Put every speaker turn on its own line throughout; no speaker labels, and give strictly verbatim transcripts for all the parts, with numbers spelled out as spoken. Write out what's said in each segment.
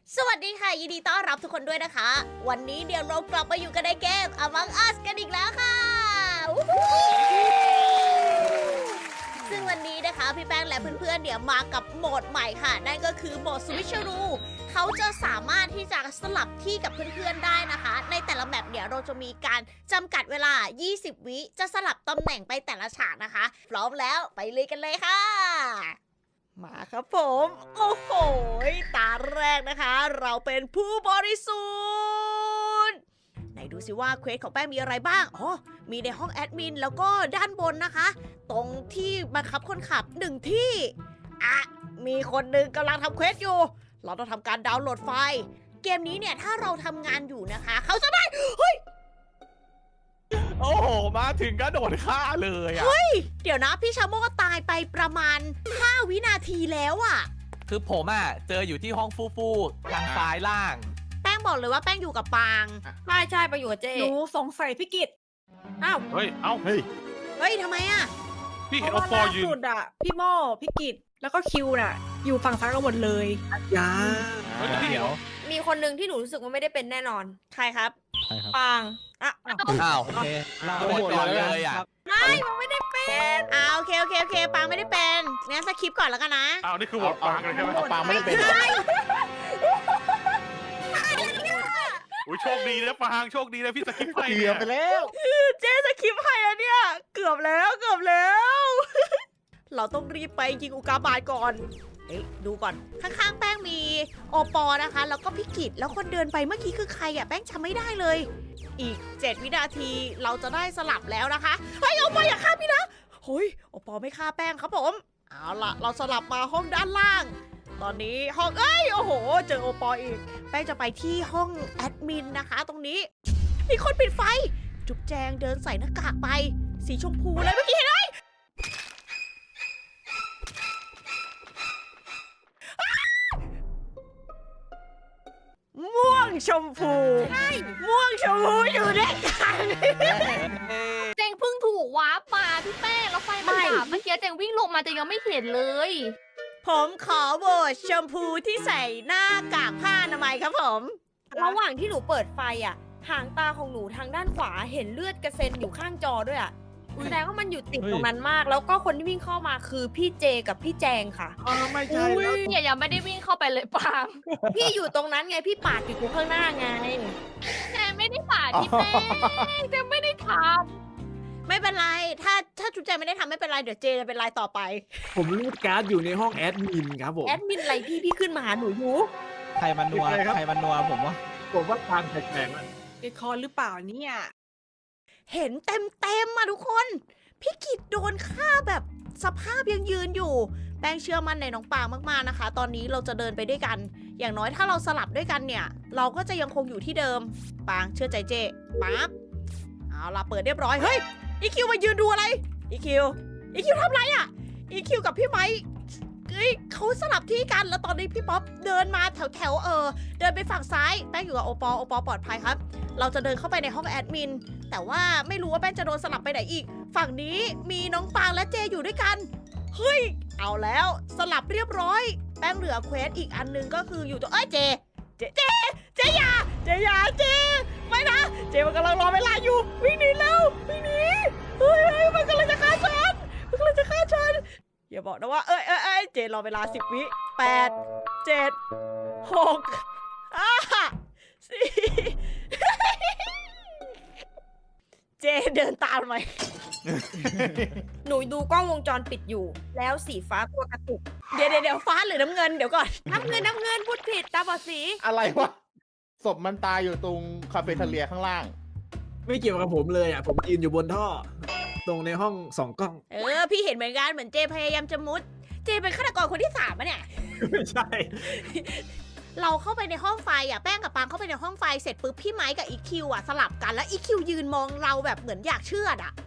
สวัสดีค่ะยินดีต้อนรับทุกคนด้วยนะคะ วันนี้เดี๋ยวเรากลับมาอยู่กันในเกม Among Us กันอีกแล้วค่ะวู้ฮู้ซึ่งวันนี้นะคะพี่แป้งและเพื่อนๆเนี่ยมากับโหมดใหม่ค่ะ นั่นก็คือโหมด Switcheroo เขาจะสามารถที่จะสลับที่กับเพื่อนๆได้นะคะ ในแต่ละแมปเนี่ยเราจะมีการจำกัดเวลา ยี่สิบ วิจะสลับตำแหน่งไปแต่ละฉากนะคะ พร้อมแล้วไปเลยกันเลยค่ะ มาครับผม โอ้โห ตาแรกนะคะ เราเป็นผู้บริสุทธิ์ไหนดูสิว่าเควสของแป้งมีอะไรบ้าง อ๋อ มีในห้องแอดมินแล้วก็ด้านบนนะคะ ตรงที่บังคับคนขับหนึ่งที่อ่ะมีคนหนึ่งกำลังทำเควสอยู่ เราต้องทำการดาวน์โหลดไฟล์ เกมนี้เนี่ยถ้าเราทำงานอยู่นะคะ เขาจะได้ เฮ้ย
โอ้โห มาถึงก็โดดฆ่าเลยอ่ะ
เดี๋ยวนะพี่ชาโมก็ตายไปประมาณห้าวินาทีแล้วอะ
คือผมอ่ะ เจออยู่ที่ห้องฟูฟูทางซ้ายล่าง
แป้งบอกเลยว่าแป้งอยู่กับปาง
ใช่ใช่ไปอยู่กับเจ๊
หนูสงสัยพี่กิต
อ้าว
เฮ้ย เอ้า เฮ้ย
เฮ้ยทำไมอะ
พี่
เพ
เห็น
ราะ
โอ
ว่า
ปอ
ล่า
ยืน
สุดอะพี่โม่พี่กิตแล้วก็คิวน่ะ อยู่ฝั่งซ้ายกันหมดเลย
ยา
เฮ้ยพี่เดี๋ยว
มีคนหนึ่งที่หนูรู้สึกว่าไม่ได้เป็นแน่นอน
ใครครับ
ปาง
อ่ะ
อ้าว โอเคเราโดดก่อนเลยอ่ะ
ไม่มันไม่ได้เป็น
อ่าโอเคโอเคโอเคปางไม่ได้เป็นงั้นสคริปต์ก่อนแล้วกันนะ
อ้าวนี่คือโหวตปางเลยใช่ไหม
ปางไม่ได้เป็น
อุ้ยโชคดีนะปางโชคดีนะพี่สกิปไป
เกื
เนี่
อบ
ย
ไปแล้ว
เจ๊สคริปต์ให้อะเนี่ย เกือบแล้วเกือบแล้ว เราต้องรีบไปยิงอุกาบาตก่อนเฮ้ยดูก่อนข้างๆแป้งมีโอปอนะคะ แล้วก็พี่กิตแล้วคนเดินไปเมื่อกี้คือใครอะแป้งจำไม่ได้เลย อีกเจ็ดวินาทีเราจะได้สลับแล้วนะคะเฮ้ยโอปออย่าฆ่าพี่นะเฮ้ยโอปอไม่ฆ่าแป้งครับผมเอาล่ะเราสลับมาห้องด้านล่าง ตอนนี้ห้องเอ้ยโอ้โห เจอโอปออีกแป้งจะไปที่ห้องแอดมินนะคะ ตรงนี้มีคนปิดไฟ จุ๊บแจงเดินใส่หน้ากากไป สีชมพูเลยเมื่อกี้เห็นไหมอ้าม่วงชมพูใช่ม่วงชมพูอยู่ด้วยกัน
เจงเพิ่งถูกวาร์ปมาพี่แป้งแล้วไฟมันดับเมื่อกี้เจงวิ่งลงมาเจงยังไม่เห็นเลย
ผมขอโหวตชมพูที่ใส่หน้ากากผ้าอนามัยครับผม
ระหว่างที่หนูเปิดไฟอ่ะหางตาของหนูทางด้านขวาเห็นเลือดกระเซ็นอยู่ข้างจอด้วยอ่ะแสดงว่ามันอยู่ติดตรงนั้นมาก แล้วก็คนที่วิ่งเข้ามาคือพี่เจกับพี่แจงค่ะ
อ๋อไม่ใช่แล้ว
เนี่ยยังไม่ได้วิ่งเข้าไปเลยปาง
พี่อยู่ตรงนั้นไงพี่ปาดอยู่ข้างหน้าไง
แจงไม่ได้ป่าดพี่แป้งแจงไม่ได้ท
ไม่เป็นไร ถ้าถ้าจุ๊บแจงไม่ได้ทำไม่เป็นไร เดี๋ยวเจจะเป็นรายต่อไป
ผมรูดการ์ดอยู่ในห้องแอดมินครับผม
แอดมินอะไรพี่พี่ขึ้นมาหาหนูอยู่
ใครมันนัว ใครมันนัวผมว่า
ผมว่าทางแปลกๆอะ
เอคอนหรือเปล่าเนี่ย
เห็นเต็มเต็มๆมาทุกคน พี่กิจโดนฆ่าแบบสภาพยังยืนอยู่ แป้งเชื่อมั่นในน้องปางมากๆนะคะ ตอนนี้เราจะเดินไปด้วยกัน อย่างน้อยถ้าเราสลับด้วยกันเนี่ย เราก็จะยังคงอยู่ที่เดิม ปางเชื่อใจเจปั๊บเอาล่ะเปิดเรียบร้อย เฮ้ย อีคิวมายืนดูอะไร อีคิว อีคิวทำไรอะอีคิวกับพี่ไม้เฮ้ยเขาสลับที่กัน แล้วตอนนี้พี่ป๊อปเดินมาแถวแถวๆเออ เดินไปฝั่งซ้าย แป้งอยู่กับโอปอ โอปอปลอดภัยครับ เราจะเดินเข้าไปในห้องแอดมิน แต่ว่าไม่รู้ว่าแป้งจะโดนสลับไปไหนอีก ฝั่งนี้มีน้องปางและเจอยู่ด้วยกัน เฮ้ย เอาแล้วสลับเรียบร้อย แป้งเหลือเควสอีกอันหนึงก็คืออยู่ตัวเอ้ยเจ เจ เจ เจอยาเจอยาเจ ไม่นะ เจมันกำลังรอเวลาอยู่ วิ่งหนีแล้ววิ่งหนีเฮ้ยเฮ้ยมันกำลังจะฆ่าฉันมันกำลังจะฆ่าฉัน อย่าบอกนะว่า เอ้ยเอ้ยเอ้ยเจรอเวลาสิบวิแปดเจ็ดหกห้าสี่ เจเดินตามไหม
หนูดูกล้องวงจรปิดอยู่ แล้วสีฟ้าตัวกระตุก
เดี๋ยวเดี๋ยวเดี๋ยวฟ้าหรือน้ำเงินเดี๋ยวก่อน
น้ำเงินน้ำเงินพูดผิดตาบอดสี
อะไรวะ ศพมันตายอยู่ตรงคาเฟ่เทเลียข้างล่าง
ไม่เกี่ยวกับผมเลยอ่ะ ผมยืนอยู่บนท่อ ตรงในห้องสองกล้อง
เออ พี่เห็นเหมือนกันเหมือนเจพยายามจะมุด เจเป็นฆาตกรคนที่สามอะเนี่ย
ไม่ใช่
เราเข้าไปในห้องไฟอ่ะแป้งกับปางเข้าไปในห้องไฟเสร็จปุ๊บพี่ไม้กับอีคิวอ่ะสลับกันแล้วอีคิวยืนมองเราแบบเหมือนอยากเชื่อดอ่ะ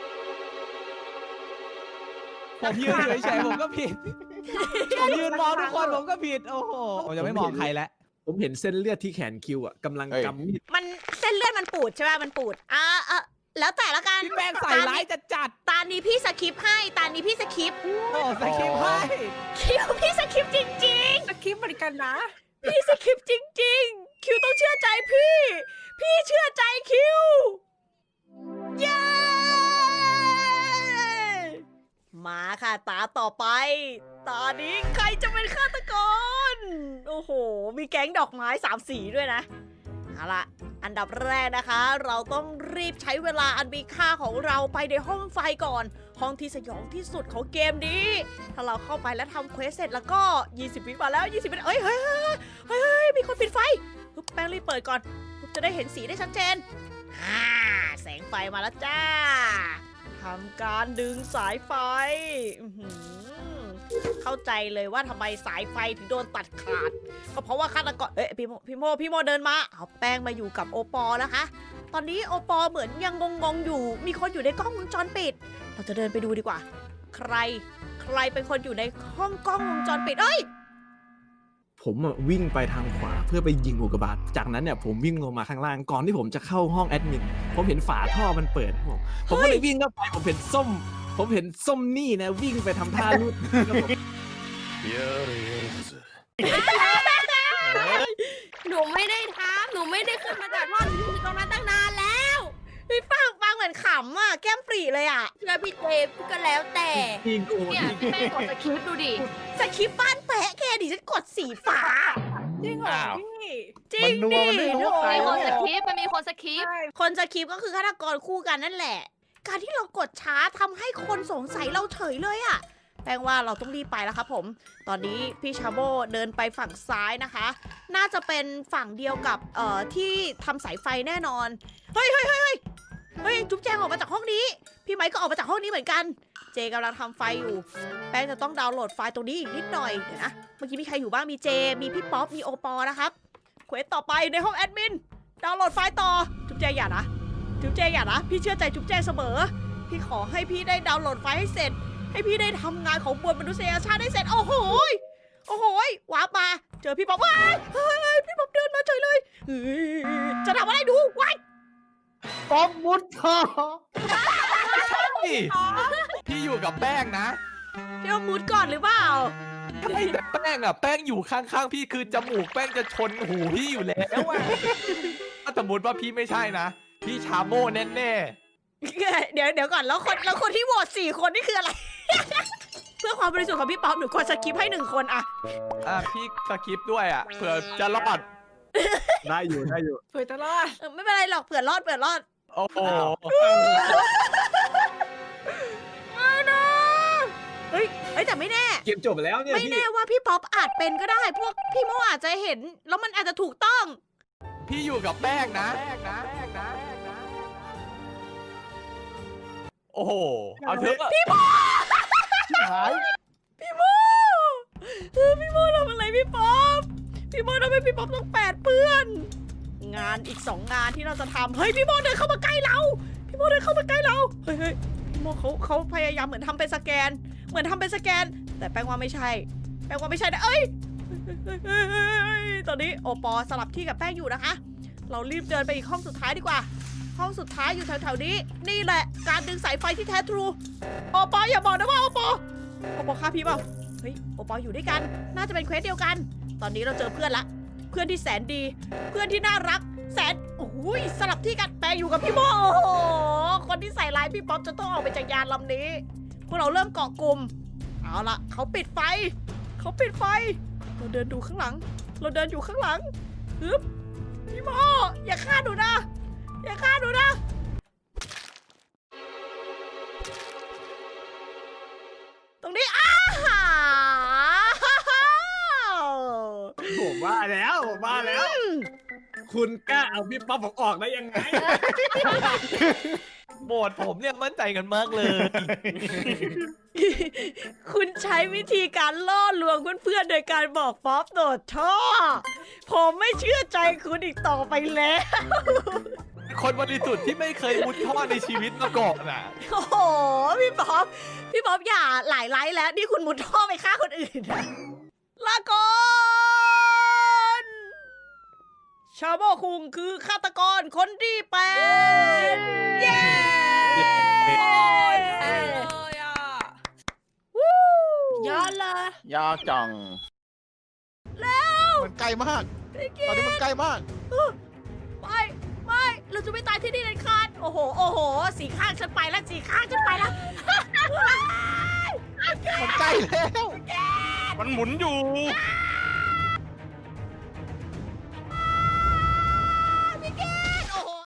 ผมยืนเฉยๆผมก็ผิด ผมยืนมองทุกคนผมก็ผิด โอ้โห ผมจะไม่มองใครแล้ว
ผมเห็นเส้นเลือดที่แขนคิวอ่ะกำลัง
เอ้ย
กำมีด
มันเส้นเลือดมันปูดใช่ไหมมันปูดอ่าเออแล้วแต่ละกัน
พี่แป้งใส่ร้ายจัดจัด
ตานี้พี่สคริปต์ให้ตานี้พี่สคริปต์
ๆโอ้สคริปต์ให้
คิวพี่สคริปต์จริง
สคริปต์เหมือนกันนะ
ๆ พี่สคริปต์จนี้ใครจะเป็นฆาตกร โอ้โห มีแก๊งดอกไม้สามสีด้วยนะ เอาล่ะ อันดับแรกนะคะ เราต้องรีบใช้เวลาอันมีค่าของเราไปในห้องไฟก่อน ห้องที่สยองที่สุดของเกมนี้ ถ้าเราเข้าไปแล้วทำเควสเสร็จแล้วก็ยี่สิบวิมาแล้วยี่สิบวิเอ้ยเฮ้ยเฮ้ยเฮ้ยเฮ้ยมีคนปิดไฟปึ๊บแป้งรีบเปิดก่อนปึ๊บจะได้เห็นสีได้ชัดเจนอ่าแสงไฟมาแล้วจ้าทำการดึงสายไฟอื้อหือเข้าใจเลยว่าทำไมสายไฟถึงโดนตัดขาด ก็เพราะว่าฆาตกรเอ้ยพี่โมพี่โมพี่โมเดินมาเอาแป้งมาอยู่กับโอปอนะคะ ตอนนี้โอปอเหมือนยังงงๆอยู่ มีคนอยู่ในกล้องวงจรปิด เราจะเดินไปดูดีกว่า ใคร ใครเป็นคนอยู่ในห้องกล้องวงจรปิด เอ้ย
ผมอะวิ่งไปทางขวาเพื่อไปยิงอุกกาบาตจากนั้นเนี่ยผมวิ่งลงมาข้างล่างก่อนที่ผมจะเข้าห้องแอดมินผมเห็นฝาท่อมันเปิดครับผมผมก็เลยวิ่งเข้าไปผมเห็นส้ม ผมเห็นส้มนี่นะวิ่งไปทำท่าลูดครับผม
หนูไม่ได้ทำหนูไม่ได้ขึ้นมาจากท่อหนูอยู่ตรงนั้นตั้งนานแล้ว
พี่ฟังฟังเหมือนขำอ่ะ แก้มปรีเลยอ่ะ
เชื่อพี่เจมก็แล้วแต่
ยิงกู
เนี่ยพี่แป้งกดสคริปต์ดูดิ
สคริปต์บ้านแปะแค่ดิฉันกดสีฟ้า
จริงเหรอ
อ้าว
พี่
จริ
มั
ง
นนัว
ดิ
มันไม่รู้ว่าใคร
มีคน
เนี่
ส
ย
คริปต์มันมีคนสคริปต์
ใช่
คนสคริปต์ก็คือฆาตกรคู่กันนั่นแหละ การที่เรากดช้าทำให้คนสงสัยเราเฉยเลยอ่ะ แปลว่าเราต้องรีบไปแล้วครับผม ตอนนี้พี่ชาโบเดินไปฝั่งซ้ายนะคะ น่าจะเป็นฝั่งเดียวกับเอ่อที่ทำสายไฟแน่นอน เฮ้ยเฮ้ยเฮ้ยเฮ้ยเฮ้ยจุ๊บแจงออกมาจากห้องนี้ พี่ไมค์ก็ออกมาจากห้องนี้เหมือนกัน เจกำลังทำไฟอยู่ แป้งจะต้องดาวน์โหลดไฟล์ตรงนี้อีกนิดหน่อย เดี๋ยวนะ เมื่อกี้มีใครอยู่บ้าง มีเจ มีพี่ป๊อป มีโอปอนะครับ เควสต่อไปในห้องแอดมิน ดาวน์โหลดไฟล์ต่อ จุ๊บแจงอย่านะ จุ๊บแจงอย่านะ พี่เชื่อใจจุ๊บแจงเสมอ พี่ขอให้พี่ได้ดาวน์โหลดไฟล์ให้เสร็จ ให้พี่ได้ทำงานของมวลมนุษยชาติได้เสร็จ โอ้โหยโอ้โหยวาร์ปมา เจอพี่ป๊อปว้ายเฮ้ยพี่ป๊อปเดินมาเฉยเลยเฮ้ยจะทำอะไรดูว้าย
ป๊อปมุดท่อ
นี่พี่อยู่กับแป้งนะ
พี่เอามุดก่อนหรือเปล่า
ใช่แต่แป้งอ่ะแป้งอยู่ข้างๆพี่คือจมูกแป้งจะชนหูพี่อยู่แล้วอะถ้าสมมติว่าพี่ไม่ใช่นะ พี่ชาโม่แน่
เดี๋ยวเดี๋ยวก่อนแล้วคนแล้วคนที่โหวตสี่คนนี่คืออะไร เพื่อความบริสุทธิ์ของพี่ป๊อปหนูกดสกิปให้หนึ่งคนอะ
ๆอ่ะพี่สคริปต์ด้วยอ่ะเผื่อจะรอด
ได้อยู่ได้อยู่
เผยตลอด
เออไม่เป็นไรหรอกเผื่อรอดเผื่อรอด
โอ้โห
ไม่นะเฮ้ยเฮ้ยแต่ไม่แน่
เกมจบไปแล้วเนี่ย
ไม่
พี่
แน่ว่าพี่ป๊อปอาจเป็นก็ได้ พวกพี่โมอาจจะเห็น แล้วมันอาจจะถูกต้อง
พี่อยู่กับแป้งนะแป้งนะแป้งนะโอ้โหเอาเถอะ
หาย
พี่โมเออพี่โมทำอะไรพี่ป๊อป พี่โมทำให้พี่ป๊อปต้องแปดเปื้อน งานอีกสองงานที่เราจะทำเฮ้ยพี่โมเดินเข้ามาใกล้เรา พี่โมเดินเข้ามาใกล้เรา เฮ้ยเฮ้ยพี่โมเขาเขาพยายามเหมือนทำเป็นสแกน เหมือนทำเป็นสแกน แต่แปลว่าไม่ใช่ แปลว่าไม่ใช่นะเอ้ยเฮ้ยเฮ้ยเฮ้ยเฮ้ยตอนนี้โอปอสลับที่กับแป้งอยู่นะคะ เรารีบเดินไปอีกห้องสุดท้ายดีกว่า ห้องสุดท้ายอยู่แถวๆนี้ นี่แหละการดึงสายไฟที่แท้ทรู โอปออย่าบอกนะว่าโอปอโอปอฆ่าพี่เปล่า เฮ้ยโอปออยู่ด้วยกัน น่าจะเป็นเควสเดียวกัน ตอนนี้เราเจอเพื่อนละ เพื่อนที่แสนดี เพื่อนที่น่ารัก แสนโอ้ยสลับที่กันแปลอยู่กับพี่โมโอ้โห คนที่ใส่ร้ายพี่ป๊อปจะต้องออกไปจากยานลำนี้ พวกเราเริ่มเกาะกลุ่ม เอาละเขาปิดไฟ เขาปิดไฟ เราเดินดูข้างหลัง เราเดินอยู่ข้างหลังฮึบพี่โมอย่าฆ่าหนูนะ อย่าฆ่าหนูนะ ตรงนี้อ้า
ผมว่าแล้วผมว่าแล้ว คุณกล้าเอาพี่ป๊อปผมออกได้ยังไง
โบดผมเนี่ยมั่นใจกันมากเลย
คุณใช้วิธีการล่อลวงเพื่อนๆโดยการบอกป๊อปโดดท่อ ผมไม่เชื่อใจคุณอีกต่อไปแล้ว
คนบริสุทธิ์ที่ไม่เคยมุดท่อในชีวิตมาก่อนอ่ะ
โอ้โห พี่ป๊อป พี่ป๊อปอย่าหลายไลฟ์แล้ว นี่คุณมุดท่อไปฆ่าคนอื่นนะลาก่อนชาโมคุงคือฆาตกรคนที่แปดเย้
เอ้ยอ่ะ
วู้
ยอดเลย
ยากจัง
แล้ว
มันใกล้มาก ตอนนี้มันใกล้มาก
ไม่ไม่เราจะไม่ตายที่นี่เด็ดขาดโอ้โห โอ้โห สีข้างฉันไปแล้ว สีข้างฉันไปแล้ว
มันใกล้แล้ว
แกน
มันหมุนอยู่